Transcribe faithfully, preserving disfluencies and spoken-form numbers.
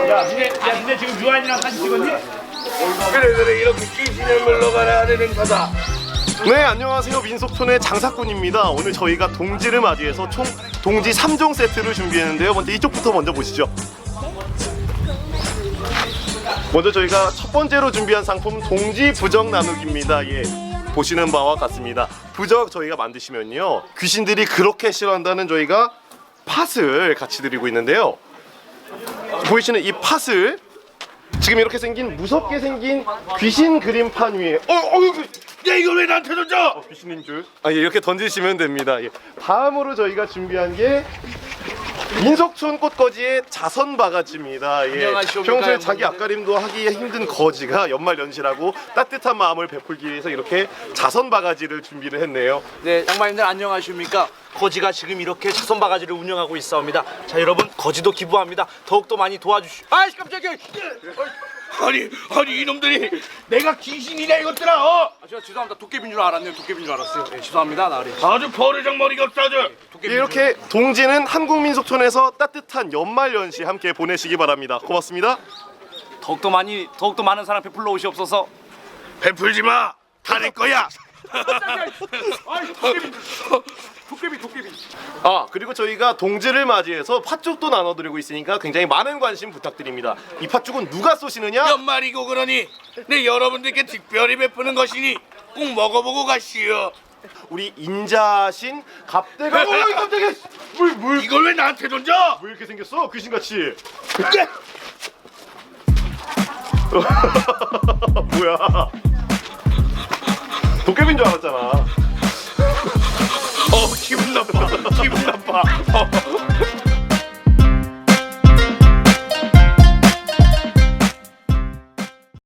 야, 니네, 야, 니네 지금 유한이랑 사진 찍었니? 그래 그래 이렇게 귀신을 물러가라 하는 행사다. 네, 안녕하세요. 민속촌의 장사꾼입니다. 오늘 저희가 동지를 맞이해서 총 동지 삼 종 세트를 준비했는데요. 먼저 이쪽부터 먼저 보시죠. 먼저 저희가 첫 번째로 준비한 상품 동지 부적 나누기입니다. 예, 보시는 바와 같습니다. 부적 저희가 만드시면요, 귀신들이 그렇게 싫어한다는 저희가 팥을 같이 드리고 있는데요. 보이시는 이 팥을 지금 이렇게 생긴 무섭게 생긴 귀신 그림판 위에 어, 어, 야 이걸 왜 나한테 던져? 어, 귀신인 줄. 아, 예, 이렇게 던지시면 됩니다. 예. 다음으로 저희가 준비한 게 민속촌 꽃거지의 자선 바가지입니다. 예. 평소에 자기 앞가림도 하기 힘든 거지가 연말연시라고 따뜻한 마음을 베풀기 위해서 이렇게 자선 바가지를 준비를 했네요. 네, 양반님들 안녕하십니까? 거지가 지금 이렇게 자선 바가지를 운영하고 있사옵니다. 자, 여러분, 거지도 기부합니다. 더욱더 많이 도와주시. 아이, 깜짝이야. 아니 아니 이놈들이 내가 귀신이냐 이것들아. 어? 아, 제가 죄송합니다. 도깨비인 줄 알았네요. 도깨비인 줄 알았어요. 네, 죄송합니다. 나으리. 아주 버르장 머리가 없어 아주. 예, 이렇게 동지는 한국민속촌에서 따뜻한 연말연시 함께 보내시기 바랍니다. 고맙습니다. 더욱더 많이, 더욱더 많은 사람 베풀러 오시옵소서. 베풀지 마. 다 내 거야. 아이, 도깨비. 도깨비, 도깨비. 아, 그리고 저희가 동지를 맞이해서 팥죽도 나눠드리고 있으니까 굉장히 많은 관심 부탁드립니다. 이 팥죽은 누가 쏘시느냐? 연말이고 그러니 내 여러분들께 특별히 베푸는 것이니 꼭 먹어보고 가시오. 우리 인자신 갑대가. 어이, 깜짝이야. 물, 물. 이걸 왜 나한테 던져? 왜 이렇게 생겼어? 귀신같이. 뭐야? 도깨비인 줄 알았잖아. 어 기분 나빠. 기분 나빠. 어.